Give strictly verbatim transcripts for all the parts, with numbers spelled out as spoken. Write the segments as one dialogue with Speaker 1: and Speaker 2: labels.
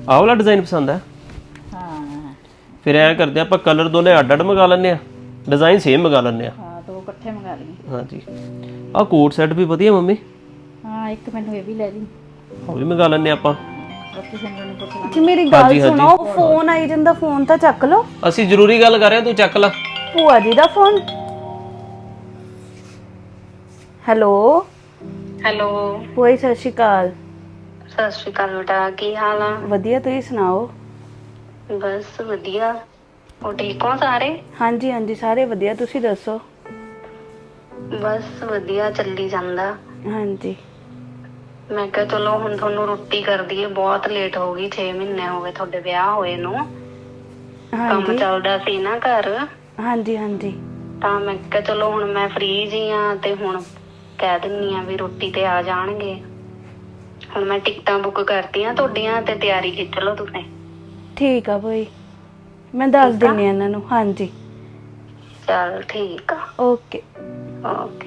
Speaker 1: ਆਹ ਵਾਲਾ ਡਿਜ਼ਾਈਨ ਪਸੰਦ ਹੈ?
Speaker 2: ਹਾਂ
Speaker 1: ਫਿਰ ਐਂ ਕਰਦੇ ਆਪਾਂ ਕਲਰ ਦੋਨੇ ਅੱਡ ਅੱਡ ਮੰਗਾ ਲੈਂਦੇ ਆ, ਡਿਜ਼ਾਈਨ ਸੇਮ ਮੰਗਾ ਲੈਂਦੇ ਆ।
Speaker 2: ਹਾਂ ਦੋ ਇਕੱਠੇ ਮੰਗਾ ਲਈ।
Speaker 1: ਹਾਂਜੀ ਆਹ ਕੋਟ ਸੈੱਟ ਵੀ ਵਧੀਆ ਮੰਮੀ,
Speaker 2: ਹਾਂ ਇੱਕ ਮੈਨੂੰ ਇਹ ਵੀ ਲੈ ਲਈ।
Speaker 1: ਉਹ ਵੀ ਮੰਗਾ ਲੈਂਦੇ ਆਪਾਂ।
Speaker 2: ਬਾਕੀ ਸਿੰਗਲ ਨੂੰ ਪੁੱਛ ਲਾਂਗੇ।
Speaker 3: ਜੀ ਮੇਰੀ ਗੱਲ ਸੁਣੋ, ਫੋਨ ਆਈ ਜਾਂਦਾ, ਫੋਨ ਤਾਂ ਚੱਕ ਲਓ।
Speaker 1: ਅਸੀਂ ਜ਼ਰੂਰੀ ਗੱਲ ਕਰ ਰਹੇ ਹਾਂ, ਤੂੰ ਚੱਕ ਲੈ।
Speaker 3: ਭੂਆ ਜੀ ਦਾ ਫੋਨ। ਹੈਲੋ
Speaker 4: ਹੈਲੋ
Speaker 3: ਭੂਆ ਜੀ ਸਤਿ ਸ਼੍ਰੀ ਅਕਾਲ।
Speaker 4: ਸਤਿ ਸ਼੍ਰੀ ਅਕਾਲ ਬੇਟਾ, ਕੀ ਹਾਲ ਆ?
Speaker 3: ਵਧੀਆ, ਤੁਸੀਂ ਸੁਣਾਓ?
Speaker 4: ਬਸ ਵਧੀਆ। ਉਹ ਠੀਕ ਹੋ ਸਾਰੇ?
Speaker 3: ਹਾਂਜੀ ਹਾਂਜੀ ਸਾਰੇ ਵਧੀਆ, ਤੁਸੀਂ ਦੱਸੋ?
Speaker 4: ਬਸ ਵਧੀਆ ਚੱਲੀ ਜਾਂਦਾ।
Speaker 3: ਹਾਂਜੀ
Speaker 4: ਮੈਂ ਕਿਹਾ ਚਲੋ ਹੁਣ ਤੁਹਾਨੂੰ ਰੋਟੀ ਕਰ ਦਈਏ, ਬਹੁਤ ਲੇਟ ਹੋ ਗਈ, ਛੇ ਮਹੀਨੇ ਹੋ ਗਏ ਤੁਹਾਡੇ ਵਿਆਹ ਹੋਏ ਨੂੰ। ਕੰਮ
Speaker 3: ਹਾਂਜੀ
Speaker 4: ਚੱਲਦਾ ਸੀ ਨਾ ਘਰ,
Speaker 3: ਹਾਂਜੀ ਹਾਂਜੀ
Speaker 4: ਤਾਂ ਮੈਂ ਕਿਹਾ ਚਲੋ ਹੁਣ ਮੈਂ ਫ੍ਰੀ ਜੀ ਆ ਤੇ ਹੁਣ ਕਹਿ ਦਿੰਨੀ ਆ ਵੀ ਰੋਟੀ ਤੇ ਆ ਜਾਣਗੇ। ਹੁਣ ਮੈਂ ਟਿਕਟਾਂ ਬੁੱਕ ਕਰਤੀਆਂ ਤੁਹਾਡੀਆਂ, ਤੇ ਤਿਆਰੀ ਖਿੱਚ ਲਓ ਤੁਸੀਂ।
Speaker 3: ਠੀਕ ਆ ਭੂਆ ਜੀ, ਮੈਂ ਦੱਸ ਦਿੰਨੀ ਆ ਇਹਨਾਂ ਨੂੰ। ਹਾਂਜੀ
Speaker 4: ਚਲ ਠੀਕ ਆ,
Speaker 3: ਓਕੇ।
Speaker 4: ਓਕੇ।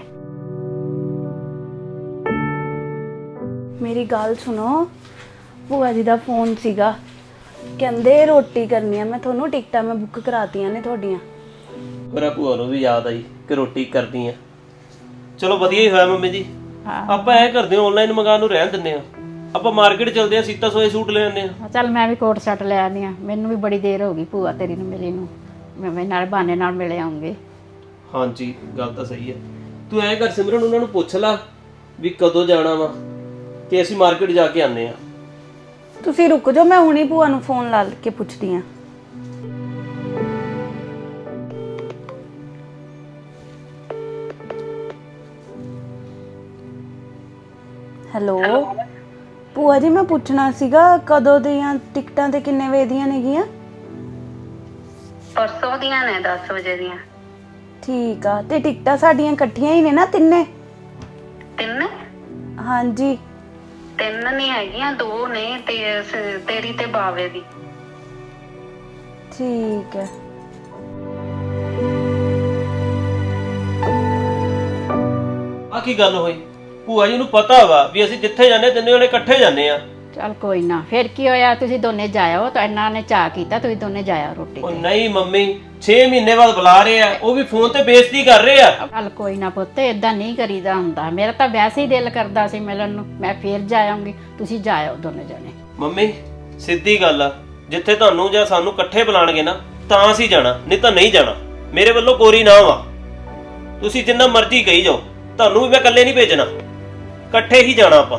Speaker 3: ਮੇਰੀ ਗੱਲ ਸੁਣੋ, ਭੂਆ ਜੀ ਦਾ ਫੋਨ ਸੀਗਾ, ਕਹਿੰਦੇ ਰੋਟੀ ਕਰਨੀ ਆ। ਮੈਂ ਤੁਹਾਨੂੰ ਟਿਕਟਾਂ ਮੈਂ ਬੁੱਕ ਕਰਾਤੀਆਂ ਨੇ ਤੁਹਾਡੀਆਂ।
Speaker 1: ਮੇਰਾ ਭੂਆ ਨੂੰ ਵੀ ਯਾਦ ਆਈ ਕਿ ਰੋਟੀ ਕਰਨੀ ਆ। ਚਲੋ ਵਧੀਆ ਹੀ ਹੋਇਆ ਮੰਮੀ ਜੀ। ਆਪਾਂ ਐ ਕਰਦੇ ਹਾਂ, ਆਨਲਾਈਨ ਮੰਗਾਉਣ ਨੂੰ ਰਹਿਣ ਦਿੰਦੇ ਆ, ਆਪਾਂ ਮਾਰਕੀਟ ਚਲਦੇ ਆ, ਸੀਤਾ ਸੋਏ ਸੂਟ ਲੈ ਆਉਂਦੇ ਆ।
Speaker 2: ਚੱਲ ਮੈਂ ਵੀ ਕੋਟ ਸੈੱਟ ਲੈ ਆਉਂਦੀ ਆ, ਮੈਨੂੰ ਵੀ ਬੜੀ ਦੇਰ ਹੋ ਗਈ ਭੂਆ ਤੇਰੀ ਨੂੰ ਮਿਲੀ ਨੂੰ, ਮੈਂ ਨਾਲ ਬਹਾਨੇ ਨਾਲ ਮਿਲੇ ਆਉਂਗੇ।
Speaker 1: ਹਾਂਜੀ ਗੱਲ ਤਾਂ ਸਹੀ ਹੈ। ਤੂੰ ਐਂ ਕਰ ਸਿਮਰਨ, ਉਹਨਾਂ ਨੂੰ ਪੁੱਛ ਲੈ ਵੀ ਕਦੋਂ ਜਾਣਾ ਵਾ, ਤੇ ਅਸੀਂ ਮਾਰਕੀਟ ਜਾ ਕੇ ਆਉਂਦੇ ਆ।
Speaker 3: ਤੁਸੀਂ ਰੁਕ ਜਾਓ, ਮੈਂ ਹੁਣੀ ਭੂਆ ਨੂੰ ਫੋਨ ਲਾ ਕੇ ਪੁੱਛਦੀ ਆ। ਹੈਲੋ ਭੂਆ ਜੀ, ਮੈਂ ਪੁੱਛਣਾ ਸੀਗਾ ਕਦੋਂ ਦੀਆਂ ਟਿਕਟਾਂ ਤੇ ਕਿੰਨੇ ਵਜੇ ਦੀਆਂ ਨੇਗੀਆਂ?
Speaker 4: ਪਰਸੋਂ ਦੀਆਂ ਨੇ ਦਸ ਵਜੇ ਦੀਆਂ।
Speaker 3: ਠੀਕ ਆ, ਤੇ ਟਿਕਟਾਂ ਸਾਡੀਆਂ ਇਕੱਠੀਆਂ ਹੀ ਨੇ ਨਾ ਤਿੰਨੇ?
Speaker 4: ਤਿੰਨ?
Speaker 3: ਹਾਂਜੀ
Speaker 4: ਤਿੰਨ ਨਹੀਂ ਹੈਗੀਆਂ, ਦੋ ਨੇ, ਤੇ ਸ- ਤੇਰੀ ਤੇ ਬਾਵੇ ਦੀ।
Speaker 3: ਠੀਕ ਹੈ।
Speaker 1: ਆ ਕੀ ਗੱਲ ਹੋਈ? ਭੂਆ ਜੀ ਨੂੰ ਪਤਾ ਵਾ ਵੀ ਅਸੀਂ ਜਿੱਥੇ ਜਾਂਦੇ ਤਿੰਨੇ ਜਣੇ ਇਕੱਠੇ ਜਾਂਦੇ ਆ।
Speaker 2: ਚੱਲ ਕੋਈ ਨਾ, ਫਿਰ ਕੀ ਹੋਇਆ, ਤੁਸੀਂ ਦੋਨੇ ਜਾਇਓ, ਤਾਂ ਇਹਨਾਂ ਨੇ ਚਾਹ ਕੀਤਾ, ਤੁਸੀਂ ਦੋਨੇ ਜਾਇਓ ਰੋਟੀ
Speaker 1: ਉਹ
Speaker 2: ਤੇ।
Speaker 1: ਨਹੀਂ ਮੰਮੀ, ਛੇ ਮਹੀਨੇ ਬਾਅਦ ਬੁਲਾ ਰਹੇ ਆ, ਉਹ ਵੀ ਫੋਨ ਤੇ ਬੇਇੱਜ਼ਤੀ ਕਰ ਰਹੇ ਆ।
Speaker 2: ਚੱਲ ਕੋਈ ਨਾ ਪੁੱਤ, ਏਦਾਂ ਨਹੀਂ ਕਰੀਦਾ ਹੁੰਦਾ। ਮੇਰਾ ਤਾਂ ਵੈਸੇ ਹੀ ਦਿਲ ਕਰਦਾ ਸੀ ਮਿਲਣ ਨੂੰ, ਮੈਂ ਫੇਰ ਜਾਇਆਂਗੀ, ਤੁਸੀਂ ਜਾਇਓ ਦੋਨੇ ਜਣੇ।
Speaker 1: ਮੰਮੀ ਸਿੱਧੀ ਗੱਲ ਆ, ਜਿੱਥੇ ਤੁਹਾਨੂੰ ਜਾਂ ਸਾਨੂੰ ਇਕੱਠੇ ਬੁਲਾਣਗੇ ਨਾ ਤਾਂ ਅਸੀਂ ਜਾਣਾ, ਨਹੀਂ ਤਾਂ ਨਹੀਂ ਜਾਣਾ। ਮੇਰੇ ਵੱਲੋਂ ਕੋਰੀ ਨਾ ਵਾ, ਤੁਸੀਂ ਜਿੰਨਾ ਮਰਜ਼ੀ ਕਹੀ ਜਾਓ, ਤੁਹਾਨੂੰ ਵੀ ਮੈਂ ਇਕੱਲੇ ਨਹੀਂ ਭੇਜਣਾ, ਇਕੱਠੇ ਹੀ ਜਾਣਾ ਆਪਾਂ।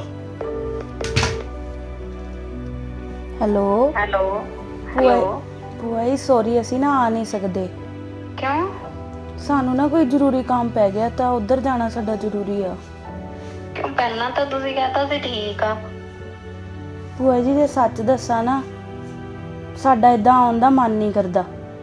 Speaker 3: ਹੈਲੋ
Speaker 4: ਹੈਲੋ
Speaker 3: ਭੂਆ
Speaker 4: ਹੈਲੋ
Speaker 3: ਭੂਆ ਜੀ ਸੌਰੀ, ਅਸੀਂ ਨਾ ਆ ਨਹੀਂ ਸਕਦੇ।
Speaker 4: ਕਿਉਂ?
Speaker 3: ਸਾਨੂੰ ਨਾ ਕੋਈ ਜ਼ਰੂਰੀ ਕੰਮ ਪੈ ਗਿਆ, ਤਾਂ ਉੱਧਰ ਜਾਣਾ ਸਾਡਾ ਜ਼ਰੂਰੀ ਆ।
Speaker 4: ਕਿਉਂ ਪਹਿਲਾਂ ਤਾਂ ਤੁਸੀਂ ਕਹਤਾ ਸੀ ਠੀਕ ਆ।
Speaker 3: ਭੂਆ ਜੀ ਜੇ ਸੱਚ ਦੱਸਾਂ ਨਾ, ਸਾਡਾ ਇਦਾਂ ਆਉਣ ਦਾ ਮਨ ਨਹੀਂ ਕਰਦਾ।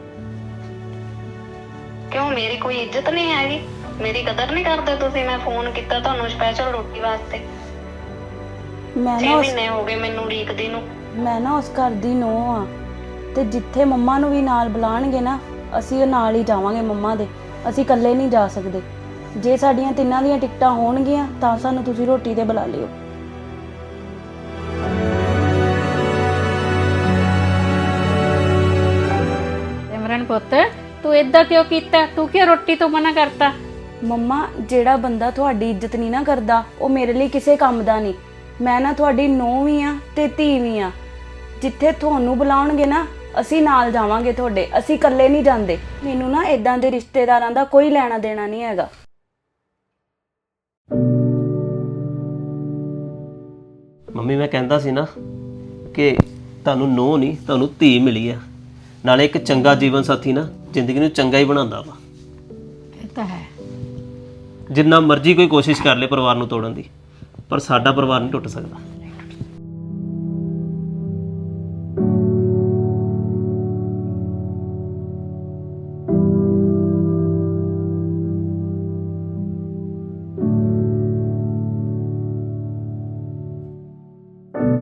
Speaker 4: ਕਿਉਂ ਮੇਰੀ ਕੋਈ ਇੱਜ਼ਤ ਨਹੀਂ ਹੈਗੀ? ਮੇਰੀ ਕਦਰ ਨਹੀਂ ਕਰਦੇ ਤੁਸੀਂ? ਮੈਂ ਫੋਨ ਕੀਤਾ ਤੁਹਾਨੂੰ ਸਪੈਸ਼ਲ ਰੋਟੀ ਵਾਸਤੇ।
Speaker 3: ਮੈਂ
Speaker 4: ਛੇ
Speaker 3: ਨਾ ਉਸ
Speaker 4: ਮਹੀਨੇ ਹੋ ਗਏ ਮੈਨੂੰ ਉਡੀਕਦੀ ਨੂੰ।
Speaker 3: ਮੈਂ ਨਾ ਉਸ ਘਰ ਦੀ ਨੂੰਹ ਆ, ਤੇ ਜਿੱਥੇ ਮੰਮਾ ਨੂੰ ਵੀ ਨਾਲ ਬੁਲਾਣਗੇ ਨਾ, ਅਸੀਂ ਉਹ ਨਾਲ ਹੀ ਜਾਵਾਂਗੇ ਮੰਮਾ ਦੇ। ਅਸੀਂ ਇਕੱਲੇ ਨਹੀਂ ਜਾ ਸਕਦੇ। ਜੇ ਸਾਡੀਆਂ ਤਿੰਨਾਂ ਦੀਆਂ ਟਿਕਟਾਂ ਹੋਣਗੀਆਂ ਤਾਂ ਸਾਨੂੰ ਤੁਸੀਂ ਰੋਟੀ ਤੇ ਬੁਲਾ ਲਿਓ।
Speaker 2: ਸਿਮਰਨ ਪੁੱਤ, ਤੂੰ ਏਦਾਂ ਕਿਉਂ ਕੀਤਾ? ਤੂੰ ਕਿਉਂ ਰੋਟੀ ਤੋਂ ਮਨਾ ਕਰਤਾ?
Speaker 3: ਮੰਮਾ, ਜਿਹੜਾ ਬੰਦਾ ਤੁਹਾਡੀ ਇੱਜ਼ਤ ਨਹੀਂ ਨਾ ਕਰਦਾ, ਉਹ ਮੇਰੇ ਲਈ ਕਿਸੇ ਕੰਮ ਦਾ ਨਹੀਂ। ਮੈਂ ਨਾ ਤੁਹਾਡੀ ਨੂੰਹ ਵੀ ਆ ਤੇ ਧੀ ਵੀ ਆ। ਜਿੱਥੇ ਤੁਹਾਨੂੰ ਬੁਲਾਉਣਗੇ ਨਾ, ਅਸੀਂ ਨਾਲ ਜਾਵਾਂਗੇ ਤੁਹਾਡੇ, ਅਸੀਂ ਇਕੱਲੇ ਨਹੀਂ ਜਾਂਦੇ। ਮੈਨੂੰ ਨਾ ਇਦਾਂ ਦੇ ਰਿਸ਼ਤੇਦਾਰਾਂ ਦਾ ਕੋਈ ਲੈਣਾ ਦੇਣਾ ਨਹੀਂ ਹੈਗਾ।
Speaker 1: ਮੰਮੀ ਮੈਂ ਕਹਿੰਦਾ ਸੀ ਨਾ ਕਿ ਤੁਹਾਨੂੰ ਨੂੰਹ ਨਹੀਂ, ਤੁਹਾਨੂੰ ਧੀ ਮਿਲੀ ਆ। ਨਾਲੇ ਇੱਕ ਚੰਗਾ ਜੀਵਨ ਸਾਥੀ ਨਾ ਜ਼ਿੰਦਗੀ ਨੂੰ ਚੰਗਾ ਹੀ ਬਣਾਉਂਦਾ ਵਾ।
Speaker 2: ਇਹ ਤਾਂ ਹੈ।
Speaker 1: ਜਿੰਨਾ ਮਰਜ਼ੀ ਕੋਈ ਕੋਸ਼ਿਸ਼ ਕਰ ਲੇ ਪਰਿਵਾਰ ਨੂੰ ਤੋੜਨ ਦੀ, ਪਰ ਸਾਡਾ ਪਰਿਵਾਰ ਨਹੀਂ ਟੁੱਟ ਸਕਦਾ।